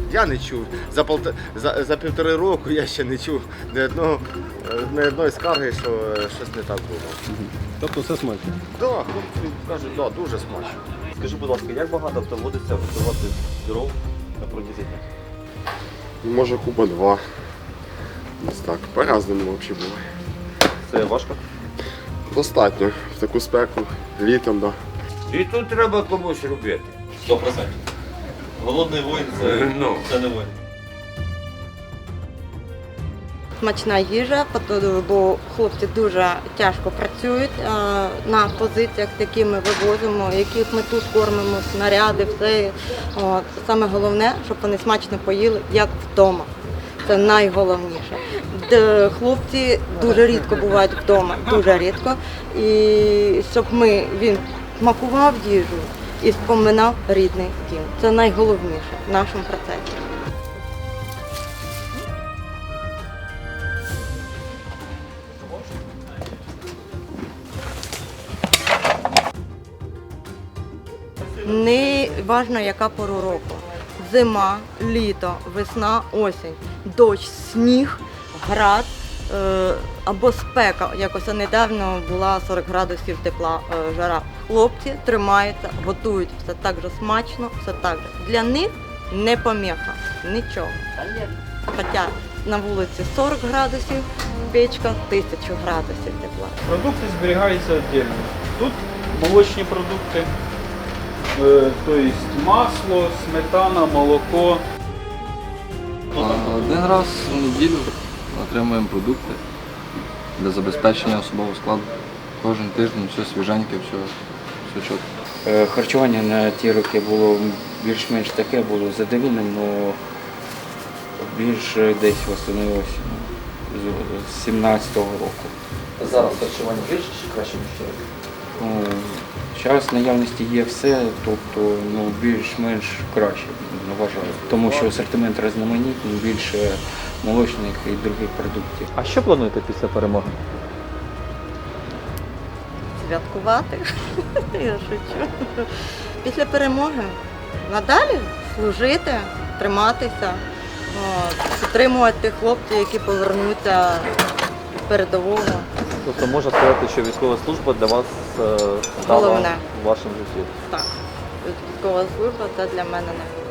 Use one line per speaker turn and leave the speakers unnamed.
Я не чув. За 1,5 року я ще не чув ні одної скарги, що щось не так було.
Тобто все смачно?
Так, хлопці кажуть, да, дуже смачно.
Скажи, будь ласка, як багато доводиться готувати дров на протязі дня?
Може куба 2. Десь так, по-разному взагалі буває.
Це важко?
Достатньо. В таку спеку, літом, так.
І тут треба комусь робити.
100%. Голодний воїн це не воїн.
Смачна їжа, бо хлопці дуже тяжко працюють на позиціях, які ми вивозимо, яких ми тут кормимо, снаряди, все. От. Саме головне, щоб вони смачно поїли, як вдома. Це найголовніше. Хлопці дуже рідко бувають вдома, дуже рідко. І щоб він смакував їжу і споминав рідний дім. Це найголовніше в нашому процесі. Не важливо, яка пора року. Зима, літо, весна, осінь, дощ, сніг, град або спека. Якось недавно була 40 градусів тепла жара. Хлопці тримаються, готують все так же смачно, все так же. Для них не поміха, нічого. Хоча на вулиці 40 градусів, печка 1000 градусів тепла.
Продукти зберігаються віддільно. Тут молочні продукти, тобто масло, сметана, молоко.
Один раз в неділю отримуємо продукти для забезпечення особового складу. Кожен тиждень все свіженьке, все чітко.
Харчування на ті роки було більш-менш таке, було задовільним, але більше десь восстановилося з 17-го року.
Зараз харчування більше чи краще, ніж вчора?
Зараз в наявності є все, тобто більш-менш краще, вважаю. Тому що асортимент різноманітний, більше молочних і других продуктів.
А що плануєте після перемоги?
Святкувати. Я шучу. Після перемоги надалі служити, триматися, підтримувати хлопців, які повернуться з передового.
Тобто можна сказати, що військова служба для вас стала
Головне.
в вашому житті?
Так, військова служба це для мене найголовніше.